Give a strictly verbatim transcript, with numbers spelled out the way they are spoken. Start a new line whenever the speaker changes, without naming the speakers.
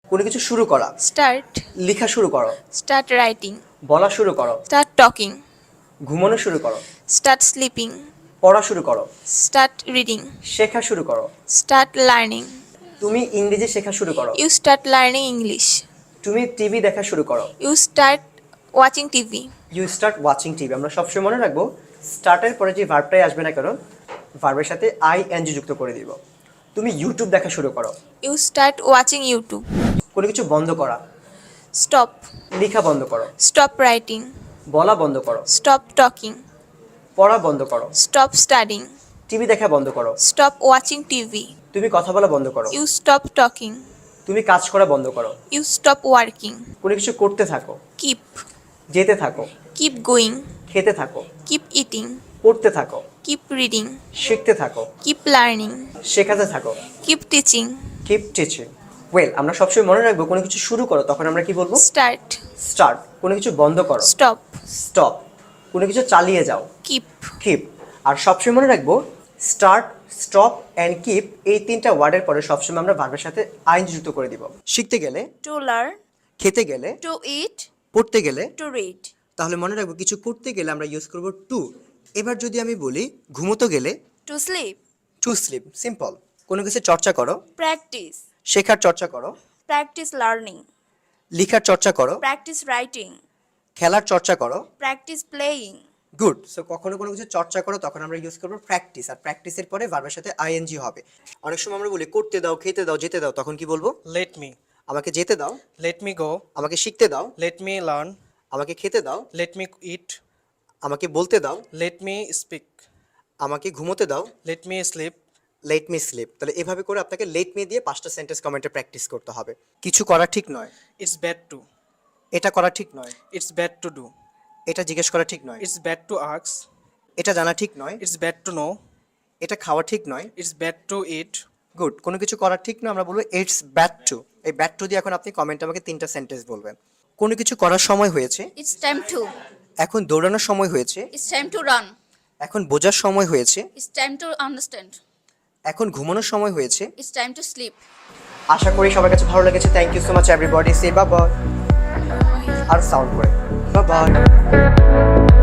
কোনো কিছু শুরু করা।
Start.
লেখা শুরু করো।
Start writing.
বলা শুরু করো।
Start talking.
ঘুমানো শুরু করো।
Start sleeping.
পড়া শুরু করো।
Start reading.
শেখা শুরু করো।
Start learning.
তুমি ইংরেজি শেখা শুরু করো।
You start learning English.
তুমি টিভি দেখা শুরু করো।
You start watching T V.
You start watching TV. আমরা সবসময় মনে রাখবো স্টার্টের পরে যে ভার্বটাই আসবে না কেন ভার্বের সাথে আই এন জি যুক্ত করে দিব। তুমি ইউটিউব দেখা শুরু করো।
You start watching YouTube.
কোনো কিছু বন্ধ করা।
Stop.
লেখা বন্ধ করো।
Stop writing.
বলা বন্ধ করো।
Stop talking.
পড়া বন্ধ করো।
Stop studying.
টিভি দেখা বন্ধ করো।
Stop watching T V.
তুমি কথা বলা বন্ধ করো।
You stop talking.
তুমি কাজ করা বন্ধ করো।
You stop working.
কোনো কিছু করতে থাকো।
Keep.
যেতে থাকো।
Keep going.
খেতে থাকো।
Keep eating.
পড়তে থাকো।
Keep reading.
শিখতে থাকো।
Keep learning.
শেখাতে থাকো।
Keep teaching.
Keep teaching. Well, আমরা সবসময় মনে রাখবো কোনো কিছু শুরু করো তখন আমরা কি বলবো?
Start.
স্টার্ট। কোনো কিছু বন্ধ করো।
Stop.
স্টপ। কোনো কিছু চালিয়ে যাও।
Keep.
কিপ। আর সবসময় মনে রাখবো স্টার্ট, স্টপ অ্যান্ড কিপ এই তিনটা ওয়ার্ডের পরে সবসময় আমরা ভার্বের সাথে আইন যুক্ত করে দিব। শিখতে গেলে,
To learn.
খেতে গেলে,
To eat.
পড়তে গেলে,
To read.
তাহলে মনে রাখবো কিছু করতে গেলে আমরা ইউজ করব টু। এবার যদি আমি বলি ঘুমোতে গেলে
To sleep.
To sleep. Simple. কোনো কিছু চর্চা করো।
Practice.
শেখার চর্চা করো।
Practice learning.
লেখার চর্চা করো।
Practice writing.
খেলার চর্চা করো।
Practice playing.
গুড। সো কখনো কোনো কিছু চর্চা করো তখন আমরা ইউজ করবো প্র্যাকটিস। আর প্র্যাকটিসের পরে ভার্বের সাথে আইএনজি হবে। অনেক সময় আমরা বলি করতে দাও, খেতে দাও, যেতে দাও, তখন কি বলবো?
Let me.
আমাকে যেতে দাও।
Let me go.
আমাকে শিখতে দাও।
Let me learn.
আমাকে খেতে দাও।
Let me eat.
আমাকে বলতে দাও।
Let me speak.
আমাকে ঘুমোতে দাও।
Let me sleep.
Let me sleep. তাহলে এভাবে করে আপনাকে লেট মি দিয়ে পাঁচটা সেন্টেন্স কমেন্টে প্র্যাকটিস করতে হবে। কিছু করা ঠিক নয়।
It's bad to.
এটা করা ঠিক নয়।
It's bad to do.
এটা জিজ্ঞেস করা ঠিক নয়।
It's bad to ask.
এটা জানা ঠিক নয়।
It's bad to know.
এটা খাওয়া ঠিক নয়।
It's bad to eat.
Good. কোনো কিছু করা ঠিক নয় আমরা বলবো ইটস ব্যাড টু। এই ব্যাড টু দিয়ে এখন আপনি কমেন্টে আমাকে তিনটা সেন্টেন্স বলবেন। কোনো কিছু করার সময় হয়েছে।
It's time to.
এখন দৌড়ানোর সময় হয়েছে।
It's time to run.
এখন বোঝার সময় হয়েছে।
It's time to understand.
এখন ঘুমানোর সময় হয়েছে।
It's time to sleep.
আশা করি সবার কাছে ভালো লেগেছে। Thank you so much everybody. Say bye bye. আর সাউন্ড করে বাই বাই।